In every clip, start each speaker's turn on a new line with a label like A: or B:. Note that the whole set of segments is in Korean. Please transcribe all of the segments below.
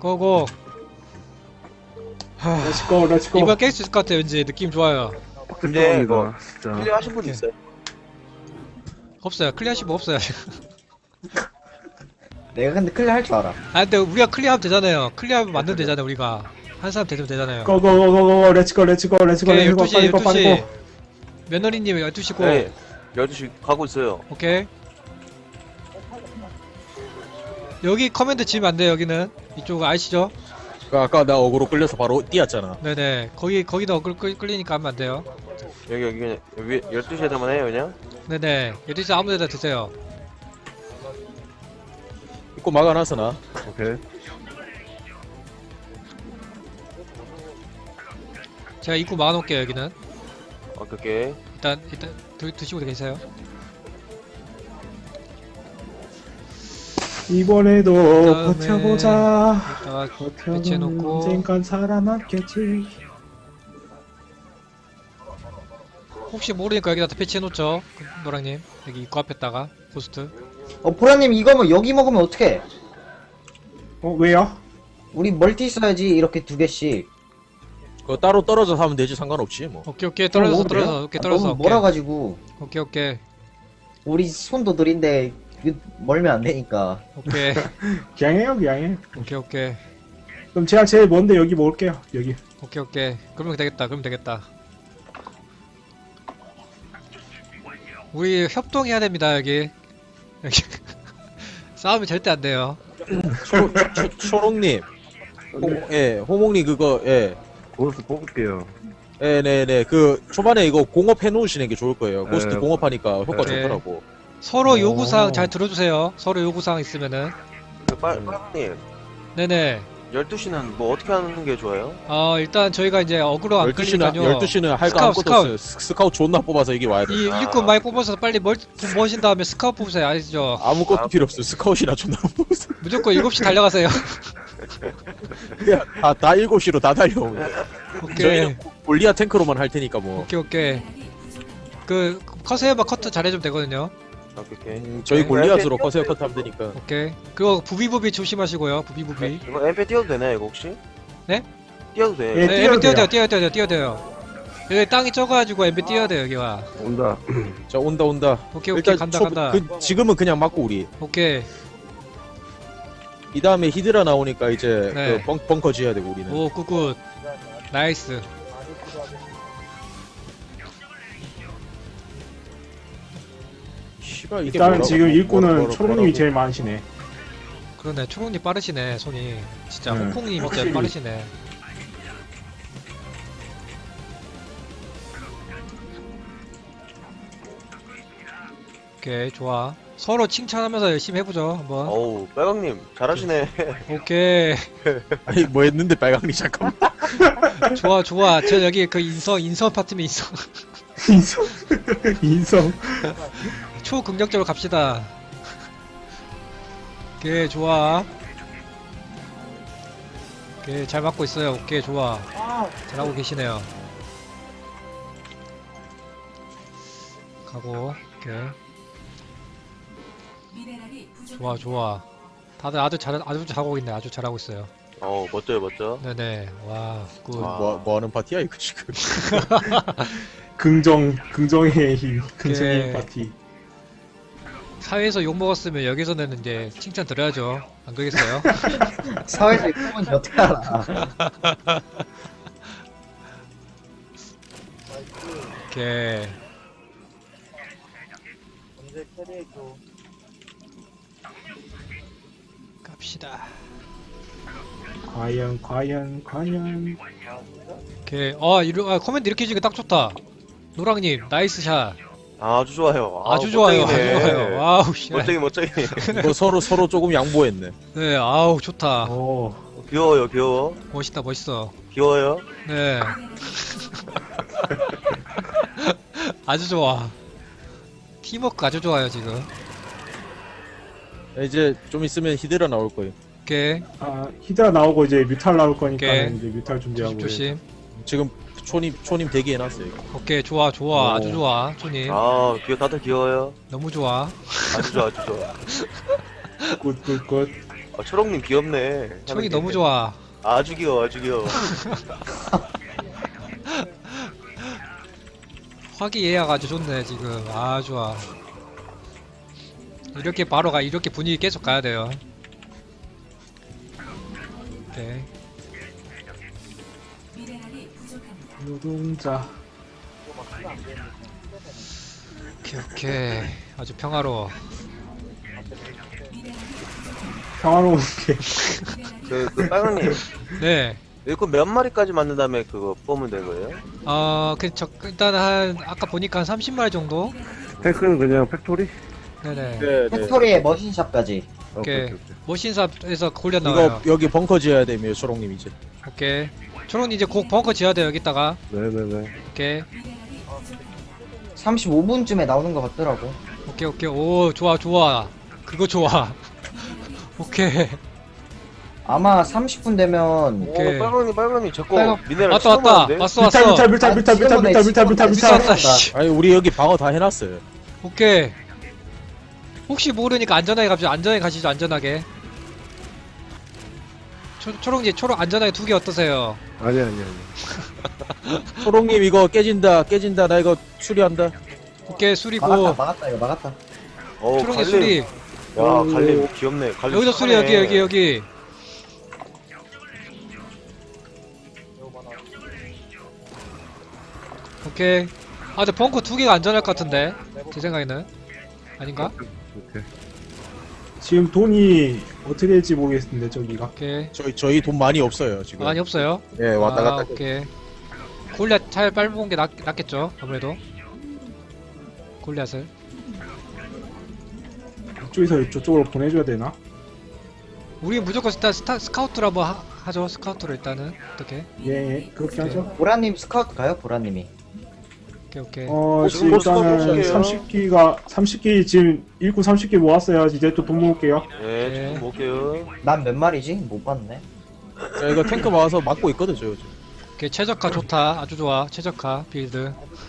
A: 고고.
B: 렛츠고 렛츠고.
A: 이번 깰 수 있을 것 같아요. 왠지 느낌 좋아요.
C: 근데 이거
B: 진짜.
C: 클리어 하신 분 있어요?
A: 없어요. 클리어하신 분 없어요.
D: 내가 근데 클리어 할 줄 알아.
A: 아 근데 우리가 클리어하면 되잖아요. 클리어하면 만들면 되잖아요. 우리가 한 사람 되면 되잖아요.
B: 고고고고 렛츠고 렛츠고 렛츠고
A: 오케이
B: 렛츠고
A: 12시
B: 빨리
A: 12시 며느리님 12시고
C: 네 12시 가고 있어요.
A: 오케이 여기 커맨드 지으면 안 돼요. 여기는 이쪽 아시죠?
E: 아까 나 어그로 끌려서 바로 뛰었잖아.
A: 네네 거기도 끌리니까 하면 안 돼요.
C: 여기 그냥 위 12시에다만 해요 그냥?
A: 네네 12시 아무 데나 드세요.
E: 입고 막아놨어 나.
C: 오케이.
A: 제가 입구 막아놓을게요. 여기는
C: 오케이.
A: 일단 드시고 계세요.
B: 이번에도
A: 그다음에
B: 버텨보자.
A: 이따가
B: 버텨보면
A: 배치해놓고.
B: 언젠간 살아남겠지.
A: 혹시 모르니까 여기다 배치해놓죠. 노랑님 여기 입구 앞에다가 고스트.
D: 보라님 이거 뭐 여기 먹으면 어떡해?
B: 왜요?
D: 우리 멀티 써야지 이렇게 두 개씩.
E: 그거 따로 떨어져서 하면 되지 상관없지 뭐.
A: 오케이 떨어져서
B: 먹으면 돼요?
A: 떨어져서 오케이 떨어져서
D: 너무 멀어가지고
A: 오케이
D: 우리 손도 느린데 멀면 안 되니까.
A: 오케이
B: 그냥 해요 그냥 해.
A: 오케이
B: 그럼 제가 제일 먼데 여기 먹을게요. 여기.
A: 오케이 그러면 되겠다. 우리 협동해야 됩니다. 여기 싸우면 절대 안 돼요.
E: 초롱님, 호몽님 그거
F: 고스 뽑을게요.
E: 네네 그 초반에 이거 공업 해놓으시는 게 좋을 거예요. 고스트
F: 네.
E: 공업하니까 효과
A: 네.
E: 좋더라고.
A: 서로 요구사항 잘 들어주세요. 서로 요구사항 있으면은.
C: 빨님
A: 네네.
C: 12시는 뭐 어떻게 하는 게 좋아요?
A: 일단 저희가 이제 어그로 안
E: 12시는
A: 끌리니까요.
E: 12시는 할 거
A: 스카웃,
E: 아무것도 없어요. 스카웃 존나 뽑아서 이게 와야 돼.
A: 이 일꾼 많이 뽑아서 빨리 돈 모으신 다음에 스카웃 뽑으세요. 아시죠?
E: 아무것도 필요 없어. 스카웃이나 존나 뽑았어.
A: 무조건 7시 달려가세요.
E: 그냥 다 7시로 다 달려오면.
A: 오케이.
E: 저희는 골리아 탱크로만 할 테니까 뭐.
A: 오케이. 그 커세어바 커트 잘해주면 되거든요.
C: 오케이.
E: 저희
C: 네,
E: 골리앗으로 커세어 컷 하면 되니까.
A: 오케이. 그거 부비부비 조심하시고요. 부비부비.
C: 이거 MP 띄워도 되나요 이거 혹시?
A: 네?
C: 띄워도 돼요.
B: 예.
A: 네, 엠비
B: 뛰어도
A: 뛰어야 돼요. 여기 땅이 적어가지고 엠비 뛰어야 돼요. 여기가.
F: 온다.
E: 자 온다.
A: 오케이
E: 일단
A: 간다.
E: 지금은 그냥 맞고 우리.
A: 오케이.
E: 이 다음에 히드라 나오니까 이제
A: 네.
E: 그 벙커 지어야 되고 우리는.
A: 오 굿굿. 나이스.
E: 씨발 이게
B: 일단
E: 뭐라고-
B: 지금 일꾼은
E: 뭐라고-
B: 초롱님이
E: 뭐라고-
B: 제일 많으시네.
A: 그러네. 초롱님 빠르시네. 손이. 진짜
B: 네,
A: 홍콩님 진짜
B: 확실히.
A: 빠르시네. 오케이 좋아. 서로 칭찬하면서 열심히 해보죠 한번.
C: 어우 빨강님 잘하시네.
A: 오케이
E: 아니 뭐 했는데 빨강리 잠깐만.
A: 좋아. 저 여기 그 인성 파트면
B: 인성. 인성.
A: 초긍정적으로 갑시다. 오케이 좋아. 오케이 잘 맞고 있어요. 오케이 좋아. 잘하고 계시네요. 가고 오케이 좋아. 다들 아주 잘하고 있네. 아주 잘하고 있어요.
C: 어우 멋져.
A: 네네 와 굿.
C: 와.
E: 뭐 하는 파티야 이거 지금.
B: 긍정의 힘. 긍정의
A: 오케이.
B: 힘 파티.
A: 사회에서 욕 먹었으면 여기서는 이제 칭찬 드려야죠. 안 그러겠어요?
D: 사회에서 이거 보면 어떻게 알아?
A: 오케이 갑시다.
B: 과연.
A: 오케이 커맨드 이렇게 해주니까 딱 좋다. 노랑님 나이스 샷.
C: 아주 좋아요.
A: 아주 좋아요.
C: 멋쟁이네.
A: 와우 씨.
C: 멋쟁이.
E: 이거 서로 조금 양보했네.
A: 네 아우 좋다.
B: 오.
C: 귀여워.
A: 멋있어.
C: 귀여워요.
A: 네. 아주 좋아. 팀워크 아주 좋아요 지금.
E: 이제 좀 있으면 히드라 나올 거예요.
A: 오케이
B: 히드라 나오고 이제 뮤탈 나올 거니까
A: 오케이.
B: 이제 뮤탈 준비하고.
A: 조심.
E: 지금 초님 대기해놨어요.
A: 오케이 좋아 아주 좋아 초님.
C: 다들 귀여워요.
A: 너무 좋아.
C: 아주 좋아.
B: 굿.
C: 초롱님 귀엽네.
A: 총이 너무 좋아.
C: 아주 귀여워, 아주 귀여워.
A: 화기애애가 아주 좋네 지금. 아 좋아. 이렇게 바로 이렇게 분위기 계속 가야 돼요. 오케이.
B: 노동자.
A: 오케이. 아주 평화로워.
B: 평화로운 게.
C: 그 빨강님,
A: 네.
C: 일꾼 몇 마리까지 만든 다음에 그거 뽑으면 되는 거예요?
A: 일단 아까 보니까 한 30마리 정도?
F: 탱크는 그냥 팩토리?
A: 네네.
E: 네, 네.
D: 팩토리에 머신샵까지.
A: 오케이. 머신샵에서 골려
E: 이거
A: 나와요.
E: 여기 벙커 지어야 됩니다, 초롱님 이제.
A: 오케이. 초롱 이제 곧 벙커 지어야 돼요, 여기다가.
F: 네네네.
A: 오케이.
D: 35분쯤에 나오는 것 같더라고.
A: 오케이. 오, 좋아. 그거 좋아. 오케이.
D: 아마 30분 되면
A: 오케이.
C: 빨강님, 자꾸
A: 빨강-
C: 미네랄
A: 왔다.
C: 치워버리는데?
A: 왔어.
B: 밀탈.
A: 미스 왔다, 씨.
E: 아니 우리 여기 방어 다 해놨어요.
A: 오케이. 혹시 모르니까 안전하게 갑시다. 안전하게 가시죠, 안전하게. 초롱 안전하게 2개 어떠세요?
F: 아니.
E: 초롱님 이거 깨진다. 나 이거 수리한다.
A: 오케이, 수리고.
D: 막았다 이거 막았다.
A: 초롱이 수리.
C: 야, 갈림 귀엽네. 갈림
A: 여기도 수리,
C: 착하네.
A: 여기. 오케이. 근데 벙커 2개가 안전할 것 같은데. 제 생각에는. 아닌가?
F: 오케이.
B: 지금 돈이 어떻게 될지 모르겠는데 저기가.
A: 오케이.
E: 저희 돈 많이 없어요 지금.
A: 많이 없어요?
E: 예, 왔다 갔다.
A: 오케이. 골리앗 잘 빨아먹은 게 낫겠죠, 아무래도. 골리앗을.
B: 이쪽에서 저쪽으로 보내줘야 되나?
A: 우리 무조건 일단 스카우트로 한번 하죠, 스카우트로 일단은. 어떻게?
B: 예, 그렇게
A: 오케이.
B: 하죠.
D: 보라님 스카우트 가요? 보라님이.
A: 오케이.
B: 지금
C: 보스가
B: 일단은
C: 보스게요.
B: 30기 지금 일꾼 30기 모았어요. 이제 또 돈 모을게요.
C: 네,
A: 네.
C: 좀 볼게요.
D: 난 몇 마리지? 못 봤네.
E: 자, 이거 탱크 막아서 막고 있거든 저 요즘.
A: 오케이, 최적화 좋다. 아주 좋아. 최적화 빌드.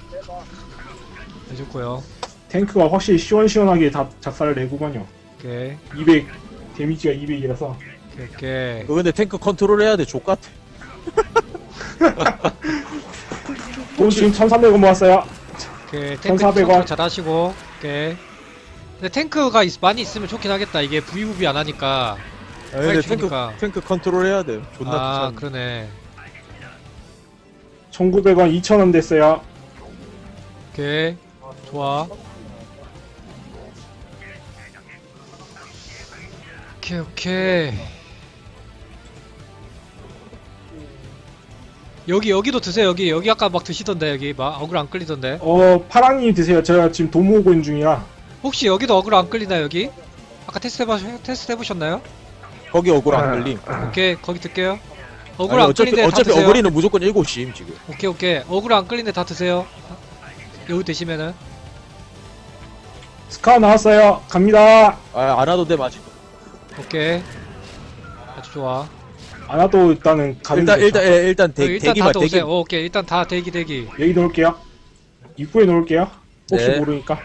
A: 해줬고요.
B: 탱크가 확실히 시원시원하게 다 작살을 내구만요.
A: 오케이.
B: 200 데미지가 200이라서.
A: 오케이.
E: 그거 근데 탱크 컨트롤 해야 돼. 족같아.
B: 돈 지금 1,300원 모았어요.
A: 오케이. 탱크
B: 1,400 원.
A: 잘 하시고. 오케이. 근데 탱크가 많이 있으면 좋긴 하겠다. 이게 부비부비 안 하니까.
E: 아, 근데
A: 죽으니까.
E: 탱크 컨트롤 해야 돼. 존나
A: 아,
E: 귀찮아.
A: 그러네.
B: 1,900원 2,000원 됐어요.
A: 오케이. 좋아. 오케이. 여기도 드세요. 여기 아까 막 드시던데. 여기 막 어글 안 끌리던데.
B: 파랑님 드세요. 제가 지금 돈 모으고 있는 중이라.
A: 혹시 여기도 어글 안 끌리나요? 여기? 아까 테스트 해보셨나요?
E: 거기 억울 안 걸림.
A: 오케이, 거기 들게요. 어글
E: 아니,
A: 안
E: 어차피
A: 끌리는데 다
E: 어차피
A: 드세요.
E: 어거리는 무조건 7시임 지금.
A: 오케이. 어글 안 끌리는데 다 드세요. 여기 드시면은.
B: 스카 나왔어요. 갑니다.
E: 아, 안 와도 돼 맞지.
A: 오케이. 아주 좋아.
B: 안 와도 일단은 가면
E: 일단
A: 일단
E: 대기만
A: 다
E: 대기.
A: 오세요. 오케이. 일단 다 대기.
B: 여기 놓을게요. 입구에 놓을게요. 혹시
E: 네.
B: 모르니까.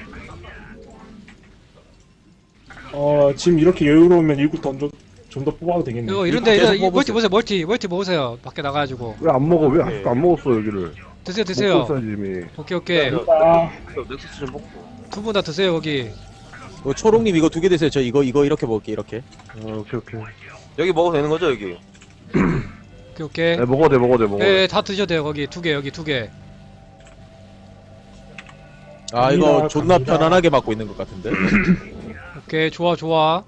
B: 지금 이렇게 여유로우면 일구 좀 더 뽑아도 되겠네.
A: 이거 이런데
E: 계속
A: 이거 멀티
E: 뽑으세요.
A: 모으세요. 멀티 모으세요. 밖에 나가가지고.
F: 왜 안 먹어? 왜
C: 네.
F: 아직도 안 먹었어 여기를?
A: 드세요.
F: 먹고 있어야지 이미.
A: 오케이.
B: 아,
C: 넥서스 좀 먹고.
A: 두 분 다 드세요. 거기.
E: 초롱님 이거 2개 드세요. 저 이거 이렇게 먹을게 이렇게.
F: 오케이.
C: 여기 먹어도 되는 거죠, 여기?
A: 오케이.
F: 네, 먹어도 돼.
A: 네, 다 드셔도 돼요. 거기 2개, 여기 2개.
E: 아 이거
B: 갑니다,
E: 존나
B: 갑니다.
E: 편안하게 맞고 있는 것 같은데.
A: 오케이, 좋아.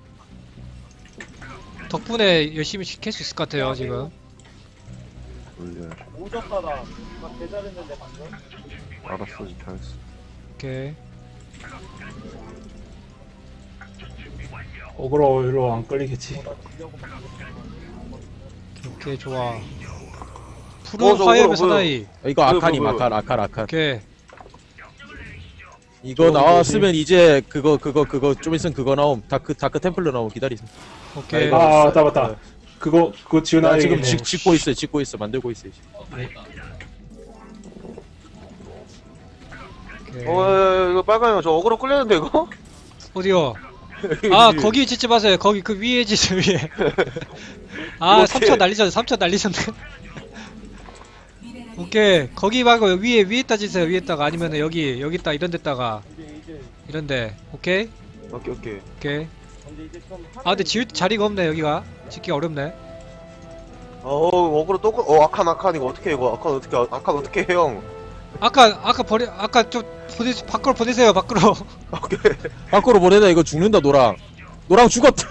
A: 덕분에 열심히 캘 수 있을 것 같아요, 지금.
F: 알았어, 잘했어.
A: 오케이.
B: 어그로로 안 끌리겠지.
A: 오케이, 좋아. 푸른
C: 저거
A: 화염의
C: 뭐야?
A: 사나이.
E: 이거 아칸임
C: 뭐야.
E: 아칸.
A: 오케이.
E: 이거 나왔으면 이제 그거 좀 있으면 그거 나옴. 다크 템플러 나옴. 기다리세요.
A: 오케이.
B: 아, 맞다. 그거
E: 나
B: 지어놔야
E: 지금
B: 되겠네.
E: 짓고 있어. 만들고 있어. 이제.
A: 오케이.
C: 이거 빨강이요. 저 어그로 끌렸는데, 이거?
A: 어디요? 아 거기 짓지 마세요. 거기 그 위에 짓어 위에. 아
C: 어떻게-
A: 3천 날리셨네. 3천 날리셨네. 오케이 거기 말고 위에다 짓세요. 위에다가 아니면 여기다 이런 데다가 이런데 오케이
C: 오케이 오케이.
A: 오케이. 아 근데 지을 자리가 없네 여기가. 짓기가 어렵네.
C: 어그로 또 아칸 이거 어떻게 해 이거 아칸 어떻게 해 형?
A: 아까 좀 밖으로 보내세요 밖으로.
C: 오케이.
E: 밖으로 보내다 이거 죽는다 노랑. 노랑 죽었다.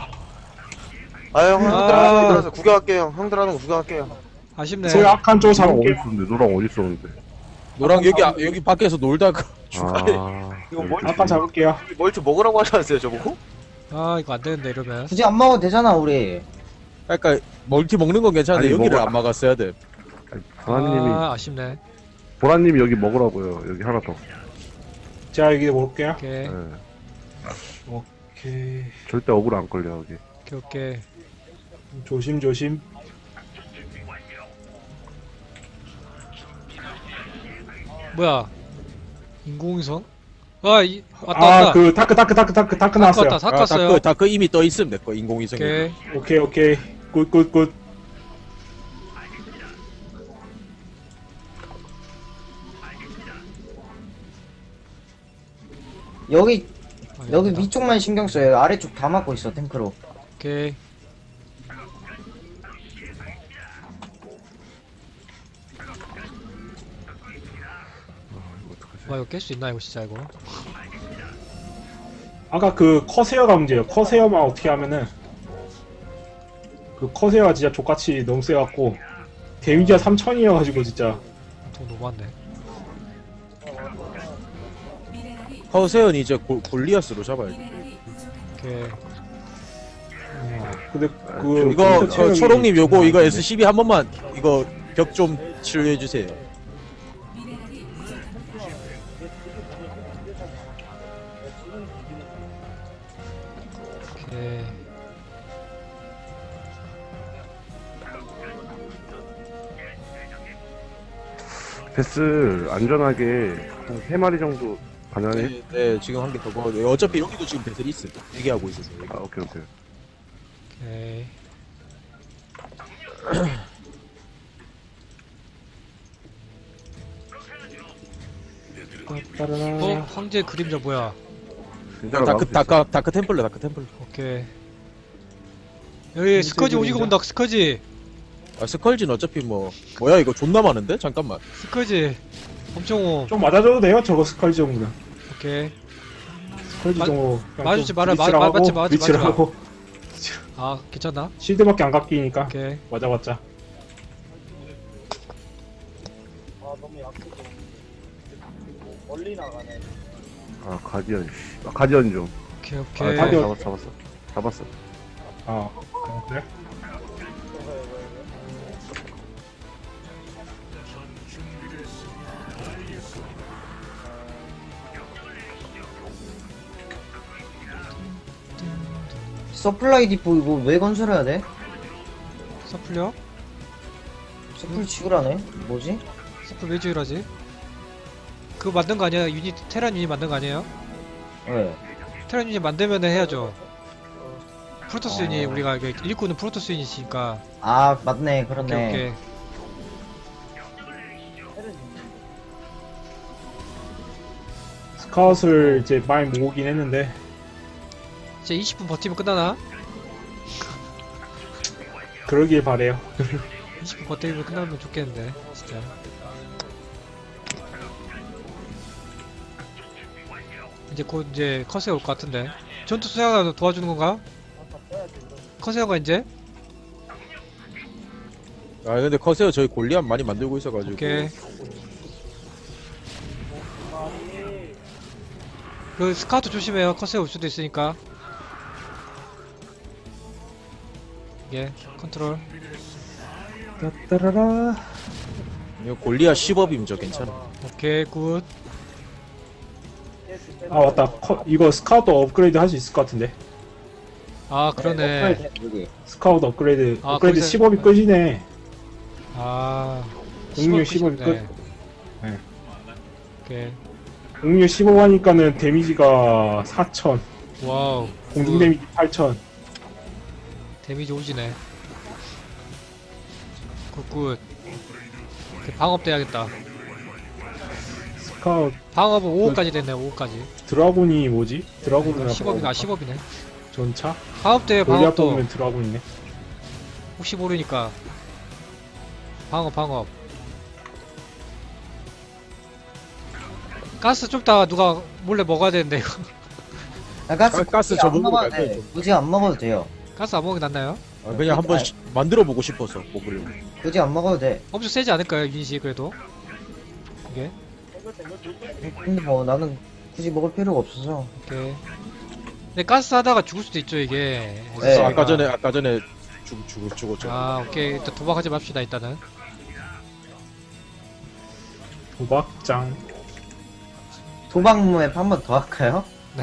C: 아형 형들
A: 아.
C: 하는 거 들어서 구경할게요. 형들 하는 거 구경할게요.
A: 아쉽네.
B: 제가 악한 쪽
F: 노랑 어디
B: 잡을게요.
F: 있었는데? 노랑 어디 있었는데?
E: 노랑 여기 밖에서 놀다가 죽었네.
F: 아,
C: 이거
B: 악한 잡을게요.
C: 뭘좀 먹으라고 하지 않았어요 저보고?
A: 아 이거 안 되는데 이러면.
D: 굳이 안 먹어도 되잖아 우리.
E: 그러니까 멀티 먹는 건 괜찮은데
F: 아니,
E: 여기를
F: 먹어.
E: 안 막았어야 돼.
F: 보라님이
A: 아 아쉽네.
F: 보라님이 여기 먹으라고요. 여기 하나 더.
B: 제가 여기 먹을게요.
A: 오케이
F: 네.
B: 오케이.
F: 절대 억울 안 걸려 여기.
A: 오케이.
B: 조심.
A: 뭐야? 인공위성? 왔다.
B: 그 다크 나왔어요.
A: 왔다. 샀었어요.
E: 다크 이미 떠 있음 내거 인공위성.
A: 오케이.
B: 오케이. 굿.
D: 여기 여기
A: 됐다.
D: 위쪽만 신경 써요. 아래쪽 다 막고 있어 탱크로.
A: 오케이. 와 이거 깰 수 있나 이거 진짜 이거.
B: 아까 그 커세어가 문제예요. 커세어만 어떻게 하면은 그 커세어가 진짜 족같이 너무 세갖고 데미지가 3000이어가지고 진짜
A: 돈 너무 많네.
E: 허세은 이제 골리아스로 잡아야지.
A: 오케이.
B: 근데 그
E: 이거
B: 체력이
E: 초롱님 요거
B: 장난
E: 이거
B: 아닌데.
E: SCB 한 번만 이거 벽 좀 치료해 주세요.
A: 오케이.
F: 베스 안전하게 한 3마리 정도 가능해?
E: 네, 지금 한 개 더 먹어도 돼요. 어차피 여기도 지금 배틀이 있어. 얘기하고 있어서.
F: 아 오케이.
A: 오케이. 황제 그림자 뭐야?
F: 진짜로 나올 수 있어.
E: 다크 템플러.
A: 오케이. 여기 스커지 오지고
B: 그림자.
A: 온다. 스커지.
E: 아, 스컬진 어차피 뭐야 이거 존나 많은데? 잠깐만.
A: 스커지. 엄청 오.
B: 좀 맞아줘도 돼요. 저거 스컬지 정도는.
A: 오케이.
B: 스컬지
A: 마-
B: 정도.
A: 맞지 마라. 맞지 마.
B: 위치라고.
A: 아 괜찮나?
B: 실드밖에 안 깎이니까
A: 오케이.
B: 맞아봤자.
F: 아 가디언. 가디언 좀.
A: 오케이.
F: 아,
A: 오케이.
B: 가디언.
F: 잡았어.
B: 아 그래?
D: 서플라이 디포 이거 왜 건설해야 돼?
A: 서플려?
D: 서플 지으라네. 뭐지?
A: 서플 왜 지으라지? 그거 만든 거 아니야? 테란 유닛 만든 거 아니에요?
D: 왜?
A: 테란 유닛 만들면 해야죠. 프로토스 유닛 우리가 일꾼은 프로토스 유닛이니까.
D: 아 맞네
A: 오케이
D: 그렇네.
A: 오케이.
B: 스카웃을 이제 많이 모으긴 했는데
A: 이제 20분 버티면 끝나나?
B: 그러길 바래요.
A: 20분 버티면 끝나면 좋겠는데 진짜. 이제 곧 이제 커세어 올 것 같은데. 전투 수행가 도와주는 건가? 커세어가 이제?
E: 아 근데 커세어 저희 골리앗 많이 만들고 있어가지고.
A: 오케이. 그 스카우트 조심해요. 커세어 올 수도 있으니까. 예, 컨트롤.
B: 따라라.
E: 이거 골리앗 10업이면 저 괜찮아.
A: 오케이, 굿.
B: 아 맞다. 이거 스카우트 업그레이드 할 수 있을 것 같은데.
A: 아, 그러네.
D: 여기.
B: 스카우트 업그레이드.
A: 아,
B: 업그레이드
A: 거기서-
B: 10업이 끝이네.
A: 아,
B: 공유
A: 10업
B: 10업 끝.
A: 네. 오케이.
B: 공유 15 하니까는 데미지가 4000.
A: 와우.
B: 공중 데미지 8000.
A: 데미지 오지네. 굿굿. 방업 돼야겠다.
B: 스카웃
A: 방업은 5호까지 됐네. 5호까지.
B: 드라곤이 뭐지? 드라곤은
A: 10업이나 10업이네.
B: 전차?
A: 방업 돼요.
B: 골리앗
A: 방업도.
B: 뽑으면 드라곤이네.
A: 혹시 모르니까. 방업. 가스 좀 이따가 누가 몰래 먹어야 되는데 이거.
D: 아, 가스,
E: 가스
D: 굳이
E: 저
D: 안
E: 먹으면
D: 먹어도
E: 안
D: 돼.
E: 돼.
D: 굳이 안 먹어도 돼요.
A: 가스 안 먹이 났나요?
E: 아, 그냥 한번 만들어 보고 싶어서 먹으려고.
D: 굳이 안 먹어도 돼.
A: 엄청 세지 않을까요 유닛이 그래도? 이게?
D: 근데 뭐 나는 굳이 먹을 필요가 없어서.
A: 오케이. 근데 가스 하다가 죽을 수도 있죠 이게.
D: 네.
E: 아까 전에 죽었죠.
A: 아 오케이. 일단 도박하지 맙시다 일단은.
B: 도박장.
D: 도박맵 한 번 더 할까요?
A: 네.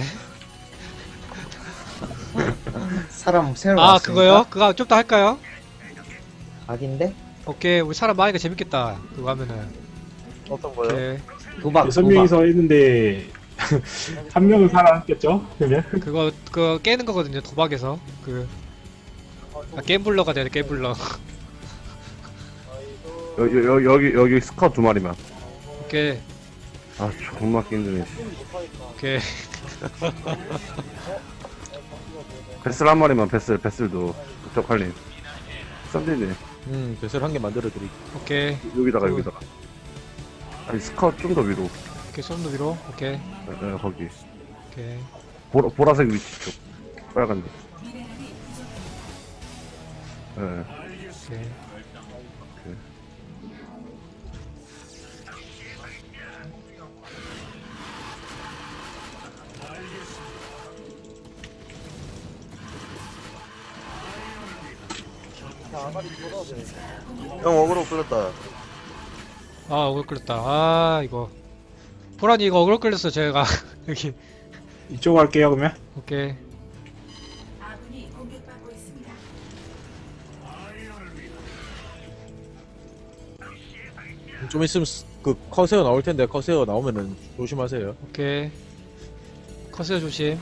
D: 사람 새로
A: 아
D: 왔으니까.
A: 그거요? 그거 좀 더 할까요?
D: 각인데?
A: 오케이. 우리 사람 많으니까 재밌겠다. 그거 하면은.
C: 어떤 거요?
A: 오케이.
D: 도박.
B: 6명이서 했는데 한 명은 살아남겠죠? 그러면
A: 그거 깨는 거거든요 도박에서. 게임블러가 돼야 돼 게임블러.
F: 여기 스카웃 2마리만.
A: 오케이.
F: 아, 존나 힘드네.
A: 오케이.
F: 베슬 한 마리만, 베슬도. 적할림. 썬데네.
E: 배설 한 개 만들어 드릴게요.
A: 오케이.
F: 여기다가. 아니, 스카웃 좀 더 위로.
A: 오케이. 손도 위로. 오케이.
F: 거기.
A: 오케이.
F: 보라색 위치 쪽. 빨간 데.
A: 오케이.
C: 형 어그로 끌렸다.
A: 아 어글 끌렸다. 아 이거. 보라니 이거 어글 끌렸어 제가. 여기.
B: 이쪽 할게요 그러면.
A: 오케이.
E: 좀 있으면 그 커세어 나올 텐데 커세어 나오면은 조심하세요.
A: 오케이. 커세어 조심.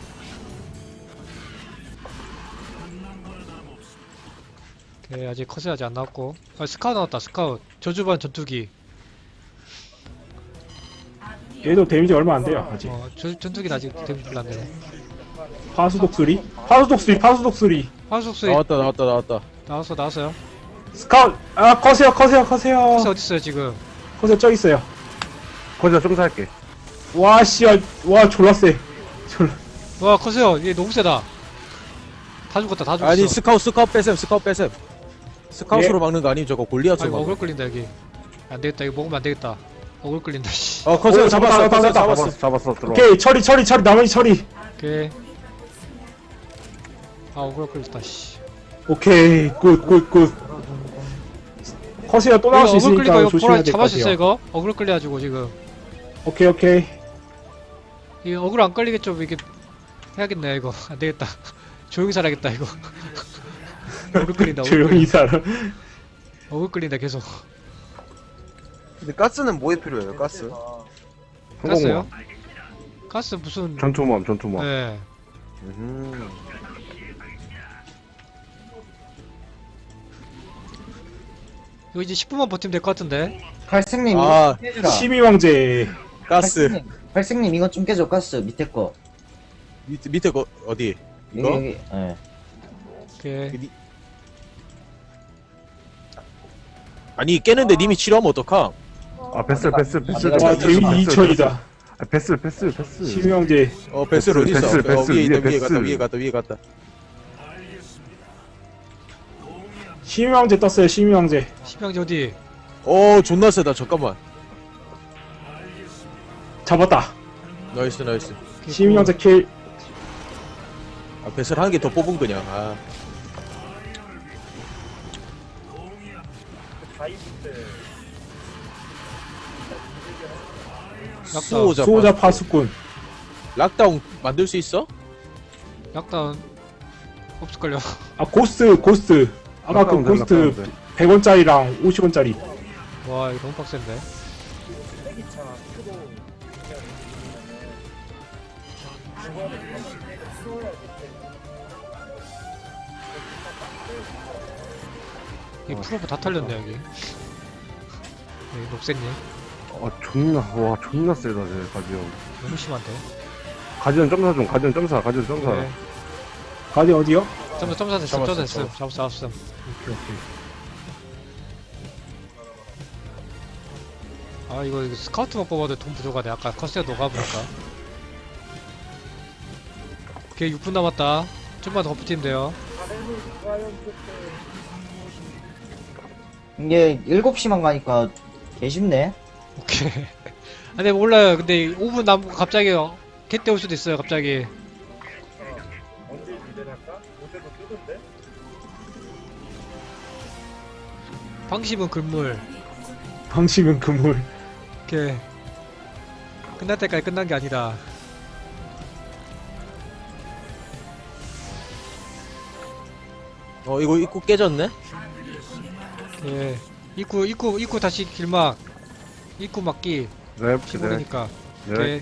A: 오케이 아직 커세어 아직 안 나왔고. 아 스카웃 나왔다 스카웃. 저주반 전투기.
B: 얘도 데미지 얼마 안 돼요 아직.
A: 전투기는 아직 데미지 별로 안 되네.
B: 파수독수리.
A: 화속수에
E: 나왔다.
A: 나왔어요.
B: 스카웃. 아 커세요.
A: 커세어 어딨어요 지금?
B: 커세어 저 있어요.
F: 거기다 좀 살게.
B: 와 씨야. 와 졸라 세.
A: 와 커세어 얘 너무 세다. 다 죽었다 다 죽었어.
E: 아니 스카웃 뺏음. 스카웃으로 막는 거 아니면 저거
A: 아
E: 골리앗으로
A: 이거
E: 막는
A: 어글 끌린다 여기. 안 되겠다 이거 먹으면 안 되겠다. 어글 끌린다 씨.
E: 거. 커세어
B: 오,
E: 잡았어.
B: 잡았다.
F: 잡았어, 들어와.
B: 오케이 처리 나머지 처리.
A: 오케이. 아 어글 끌렸다 씨.
B: 오케이 굿. 커세어 또 나올 수
A: 이거 어글 끌리고
B: 있으니까
A: 이거
B: 조심해야
A: 보라
B: 될 것
A: 잡을 수 있어
B: 같아요.
A: 이거? 어글 끌려가지고 지금.
B: 오케이.
A: 이거 어글 안 끌리겠죠 이게 해야겠네 이거. 안 되겠다. 조용히 살아야겠다 이거. 어글 끌린다.
B: 조용히 살아.
A: 어글 끌린다 계속.
C: 근데 가스는 뭐에 필요해요? 가스?
A: 가스요? 가스 무슨?
F: 전투모함.
A: 네. 이거 이제 10분만 버티면 될 것 같은데.
D: 갈색님
E: 아,
D: 이거 좀 깨주라.
B: 심의왕제.
E: 가스.
D: 갈색님 이거 좀 깨줘. 가스 밑에 거.
E: 밑에 거 어디? 이거?
D: 여기. 예.
A: 오케이.
E: 아니 깨는데 님이 치료하면 어떡함?
F: 아, 베슬.
B: 와 데미지 2000이다.
F: 아, 베슬.
B: 심의왕제.
E: 배슬 어디 있어?
F: 배슬,
E: 위에 있다.
F: 배슬.
E: 위에 갔다.
B: 심의왕제 떴어요. 심의왕제.
A: 심형제 어디?
E: 존나 세다. 잠깐만.
B: 잡았다.
E: 나이스.
A: 오케이,
B: 심의왕제 킬.
E: 아, 배슬 한 개 더 뽑은 그냥. 아. 수호자
B: 수호자 파수꾼.
E: 락다운 만들 수 있어?
A: 약간 없을걸요.
B: 아 고스트. 아까 그 고스트 100원짜리랑 50원짜리.
A: 와 이거 너무 빡센데. 이 프로브 다 털렸네 여기. 여기 녹색님
F: 존나 세다, 쟤, 가디언.
A: 너무 심한데.
F: 가디언 점사 좀, 가디언 점사.
A: 네.
B: 가디 어디요?
A: 점사 됐음.
E: 잡았어,
A: 됐음. 잡았음.
B: 오케이 오케이.
A: 아 이거 스카우트만 뽑아도 돈 부족하네. 아까 커스가 녹아보니까. 오케이 6분 남았다. 좀만 더 버티면 돼요.
D: 이게 7시만 가니까 개 쉽네.
A: 오케이. 아, 근데 몰라요. 근데 5분 남고 갑자기 개떼 올 수도 있어요. 갑자기. 방심은 금물.
B: 방심은 그물.
A: 오케이. 끝날 때까지 끝난 게 아니다.
E: 이거 입구 깨졌네?
A: 오케이. 입구 다시 길막. 입구 막기.
F: 네,
A: 15개니까.
F: 네.
A: 오케이.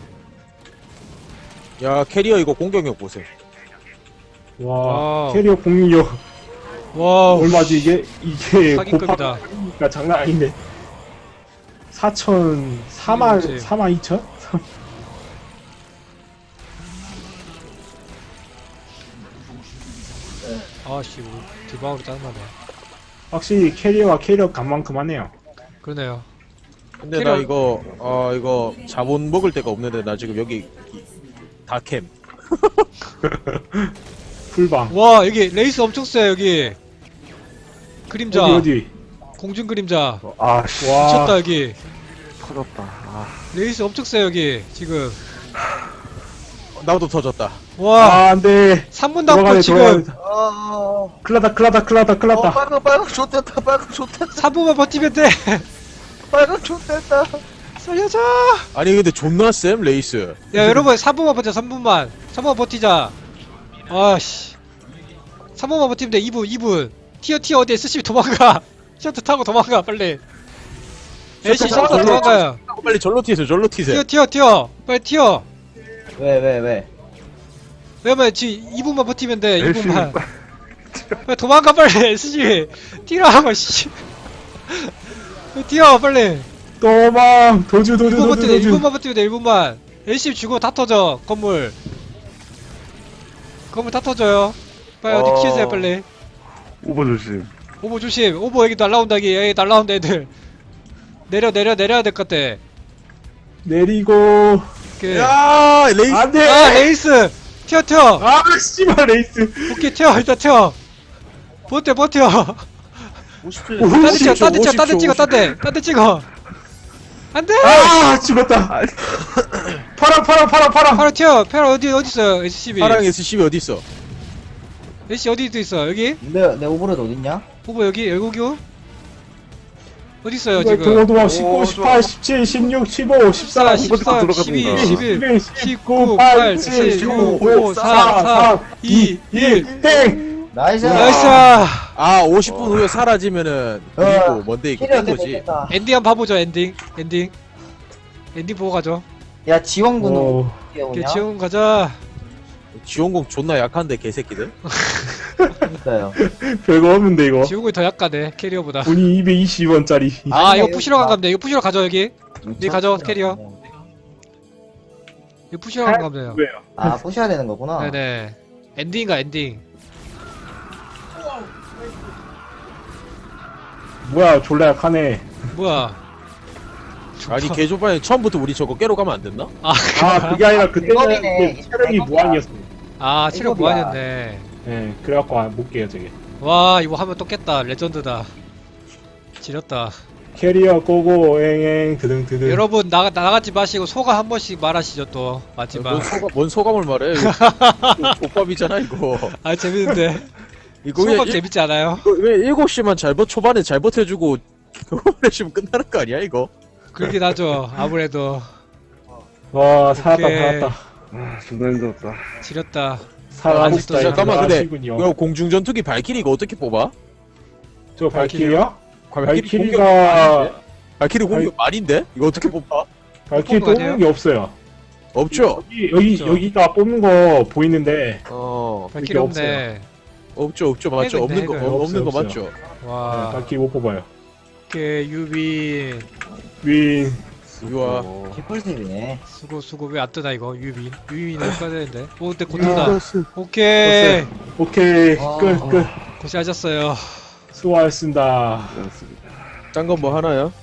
E: 야 캐리어 이거 공격력 보세요.
B: 와
A: 와우.
B: 캐리어 공격력
A: 와우.
B: 얼마지 이게
A: 사기급이다.
B: 곱하기가 장난 아닌데. 4만
A: 그치.
B: 2천?
A: 아씨, 디바우로 짜증나네.
B: 확실히 캐리어가 캐리어 간만큼 하네요.
A: 그러네요.
E: 근데
A: 캐리어-
E: 나 이거 자본 먹을 데가 없는데 나 지금 여기 다캠.
B: 풀방.
A: 와, 여기 레이스 엄청 세, 여기. 그림자.
B: 어디?
A: 공중 그림자.
F: 아, 씨,
B: 와.
A: 미쳤다, 여기.
F: 터졌다. 아,
A: 레이스 엄청 세, 여기. 지금.
E: 나도 터졌다.
A: 와,
B: 아, 안 돼.
A: 3분 남고
B: 돌아가네,
A: 지금
B: 돌아가네.
C: 아,
B: 클라다.
C: 빨강 좋댔다, 빨강 좋댔다,
A: 3분만 버티면 돼.
C: 빨강 좋댔다.
A: 살려줘.
E: 아니 근데 존나 쌤 레이스.
A: 야, 여러분, 3분만 버텨, 3분만. 3분만 버티자. 아씨. 3분만 버티면 돼, 2분. 티어 어디 SCB 도망가. 셔터 타고 도망가, 빨리. AC 셔터 도망가요.
E: 빨리 절로 튀세요.
A: 튀어. 빨리 튀어.
D: 왜?
A: 왜냐면 지금 2분만 버티면 돼,
F: 열심히
A: 2분만. 빨리 도망가, 빨리. SCB. 뛰라고, 씨. 빨리 뛰어, 빨리.
B: 도망. 도주.
A: 1분 버티면 돼, 1분만 버티면 돼, 1분만. LC 주고 다 터져, 건물 다 터져요. 빨리 어디 키우세요, 빨리.
F: 오버 조심.
A: 오버 조심. 오버 여기 날라온다, 여기 날라온다, 애들. 내려야 될 것 같아.
B: 내리고.
A: 오케이.
E: 야 레이스.
B: 안 돼.
A: 아, 레이스! 튀어!
B: 아, 씨발 레이스.
A: 오케이, 튀어, 일단 튀어. 버텨.
C: 50초.
A: 딴 데 찍어. 안 돼!
B: 아, 죽었다. 파라.
A: 바로 튀어. 페라 어디 있어요, SCB?
E: 파랑 SCB 어디 있어?
A: SC 어디 있어, 여기?
D: 내 오버로드 어딨냐?
A: 오버 여기, 어디 있어요, 지금?
B: 도망 19, 18, 17, 16, 15, 14,
A: 14,
F: 14,
A: 12,
F: 11,
A: 11, 19, 8, 7, 6, 5, 4, 3, 2, 1.
B: 땡!
D: 나이스!
A: 나이스!
E: 아 50분 후에 사라지면은 그리고 뭔데 이거
D: 캐리어
E: 된 거지.
D: 됐다.
A: 엔딩 한번 봐보죠, 엔딩 보고 가죠.
D: 야, 지원군은
B: 오,
D: 어떻게 오냐?
A: 오케이, 지원 가자.
E: 지원공 존나 약한데 개새끼들.
D: 그니까요.
B: 별거 없는데 이거.
A: 지원군이 더 약하네, 캐리어보다.
B: 돈이 220원짜리.
A: 아, 이거 푸시러 간 겁니다. 이거 푸시러 가죠, 여기. 네, 가져, 캐리어. 이거 푸시러 간 겁니다.
B: 왜요?
D: 아, 부셔야 되는 거구나.
A: 네네. 엔딩인가, 엔딩.
B: 뭐야, 졸라 약하네.
A: 뭐야.
E: 아니 개조반에 처음부터 우리 저거 깨러 가면 안 됐나?
B: 아, 그게 아니라 그때는
D: 이거네.
B: 그 체력이 무한이었어.
A: 아, 체력
D: 이거야.
A: 무한이었네.
B: 예, 그래갖고 못 깨요, 저게.
A: 와, 이거 하면 또 깼다. 레전드다. 지렸다.
B: 캐리어 꼬고, 엥, 드등드등.
A: 여러분, 나가지 마시고 소감 한 번씩 말하시죠, 또. 마지막.
E: 뭔 소감을 말해? 이거 족밥이잖아 이거.
A: 아, 재밌는데.
E: 이거
A: 소감
E: 왜,
A: 재밌지 않아요?
E: 왜 7시만 초반에 잘 버텨주고 오래시면 끝나는 거 아니야 이거?
A: 그렇긴 하죠. 아무래도.
B: 와, 살았다,
A: 오케이.
B: 살았다.
F: 아, 존나 힘들었다.
A: 지렸다.
B: 살았다.
E: 잠깐만, 근데
B: 하시군요.
E: 이거 공중전투기 발키리 이거 어떻게 뽑아?
B: 저 발키리요?
E: 발키리 공격
B: 발키리가,
E: 아닌데? 발키리 공격 말인데? 이거 어떻게 뽑아?
B: 발키리
A: 뽑은 거
B: 뽑는 게 없어요.
E: 없죠?
A: 없죠.
B: 여기가 뽑는 거 보이는데,
E: 어
A: 발키리
B: 없어요.
A: 없네.
E: 없죠 맞죠?
A: 핵은
E: 없는
A: 있네,
E: 거
A: 핵은.
E: 없는 거
B: 없어요,
E: 맞죠?
A: 와.
B: 딱히 못 뽑아요.
A: 오케이 유빈.
B: 윈.
E: 유아.
D: 개꿀팁이네.
A: 수고 왜 안 뜨나 이거 유빈. 유빈을 써야 되는데. 오 근데 곧
B: 야.
A: 뜬다. 오케이.
B: 오케이.
D: 아.
B: 끝.
A: 고생하셨어요.
B: 수고하셨습니다.
F: 그렇습니다.
E: 짠 건 뭐 하나요?